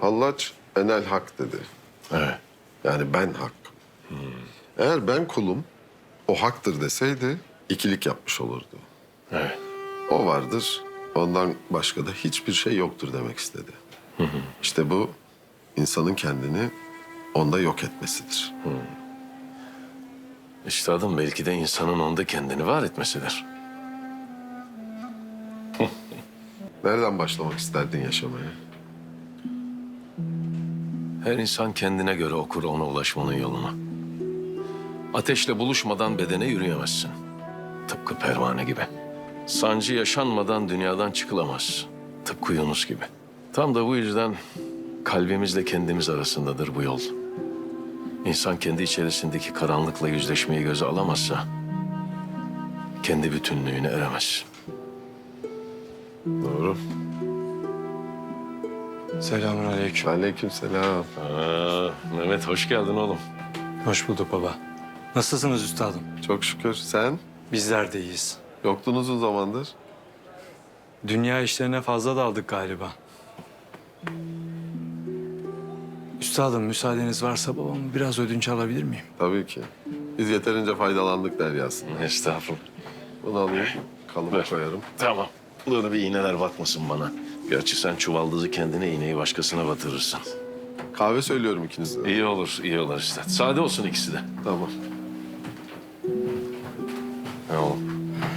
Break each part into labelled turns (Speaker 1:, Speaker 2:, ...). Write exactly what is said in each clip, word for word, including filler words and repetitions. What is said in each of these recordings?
Speaker 1: Hallaç enel hak dedi.
Speaker 2: Evet.
Speaker 1: Yani ben hak. Eğer ben kulum, o haktır deseydi ikilik yapmış olurdu.
Speaker 2: Evet.
Speaker 1: O vardır, ondan başka da hiçbir şey yoktur demek istedi. İşte bu insanın kendini onda yok etmesidir.
Speaker 2: Üstadım belki de insanın onda kendini var etmesidir.
Speaker 1: Nereden başlamak isterdin yaşamaya?
Speaker 2: Her insan kendine göre okur ona ulaşmanın yolunu. Ateşle buluşmadan bedene yürüyemezsin. Tıpkı pervane gibi. Sancı yaşanmadan dünyadan çıkılamaz. Tıpkı Yunus gibi. Tam da bu yüzden kalbimizle kendimiz arasındadır bu yol. İnsan kendi içerisindeki karanlıkla yüzleşmeyi göze alamazsa kendi bütünlüğüne eremez.
Speaker 1: Doğru.
Speaker 3: Selamünaleyküm.
Speaker 1: Aleykümselam.
Speaker 2: Aa, Mehmet hoş geldin oğlum.
Speaker 3: Hoş bulduk baba. Nasılsınız üstadım?
Speaker 1: Çok şükür. Sen?
Speaker 3: Bizler de iyiyiz.
Speaker 1: Yoktun uzun zamandır.
Speaker 3: Dünya işlerine fazla daldık galiba. Üstadım müsaadeniz varsa babamı biraz ödünç alabilir miyim?
Speaker 1: Tabii ki. Biz yeterince faydalandık deryasında.
Speaker 2: Estağfurullah.
Speaker 1: Bunu alayım, kalıba
Speaker 2: Ver.
Speaker 1: koyarım.
Speaker 2: Tamam. Böyle bir iğneler bakmasın bana. Gerçi sen çuvaldızı kendine iğneyi başkasına batırırsın.
Speaker 1: Kahve söylüyorum ikinize.
Speaker 2: İyi olur, iyi olur işte. Sade olsun ikisi de.
Speaker 1: Tamam.
Speaker 2: Ne oğlum?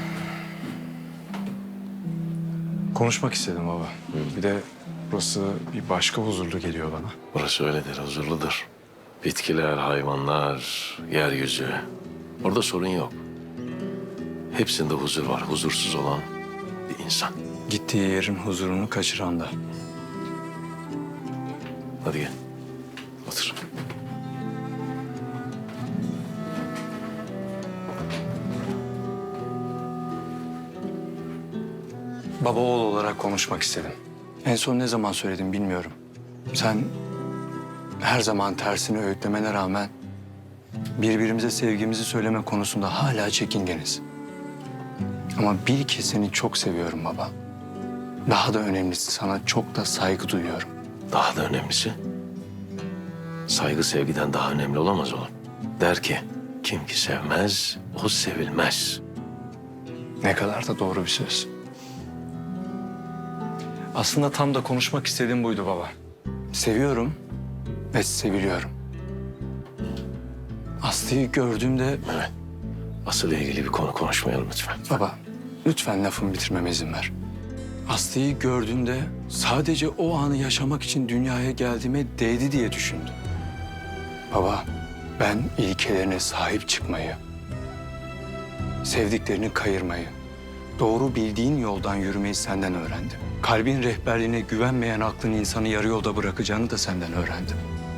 Speaker 3: Konuşmak istedim baba. Bir de burası bir başka huzurlu geliyor bana.
Speaker 2: Burası öyledir, huzurludur. Bitkiler, hayvanlar, yeryüzü. Orada sorun yok. Hepsinde huzur var. Huzursuz olan bir insan.
Speaker 3: Gittiği yerin huzurunu kaçıran da.
Speaker 2: Hadi gel. Otur.
Speaker 3: Baba oğul olarak konuşmak istedim. En son ne zaman söyledim bilmiyorum. Sen her zaman tersini öğütlemene rağmen birbirimize sevgimizi söyleme konusunda hala çekingeniz. Ama bil ki seni çok seviyorum baba. Daha da önemlisi sana çok da saygı duyuyorum.
Speaker 2: Daha da önemlisi, saygı sevgiden daha önemli olamaz oğlum. Der ki, kim ki sevmez, o sevilmez.
Speaker 3: Ne kadar da doğru bir söz. Aslında tam da konuşmak istediğim buydu baba. Seviyorum ve seviliyorum. Aslı'yı gördüğümde...
Speaker 2: Evet. Asıl ilgili bir konu konuşmayalım lütfen.
Speaker 3: Baba, lütfen lafımı bitirmeme izin ver. Aslı'yı gördüğümde sadece o anı yaşamak için dünyaya geldiğime değdi diye düşündüm. Baba, ben ilkelerine sahip çıkmayı, sevdiklerini kayırmayı, doğru bildiğin yoldan yürümeyi senden öğrendim. Kalbin rehberliğine güvenmeyen aklın insanı yarı yolda bırakacağını da senden öğrendim.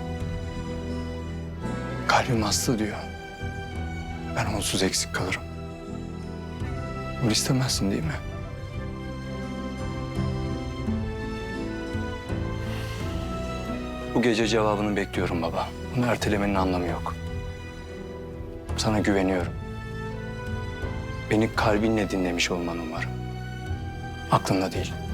Speaker 3: Kalbim Aslı diyor. Ben onsuz eksik kalırım. Bunu istemezsin değil mi? Bu gece cevabını bekliyorum baba. Bunu ertelemenin anlamı yok. Sana güveniyorum. Beni kalbinle dinlemiş olmanı umarım. Aklınla değil.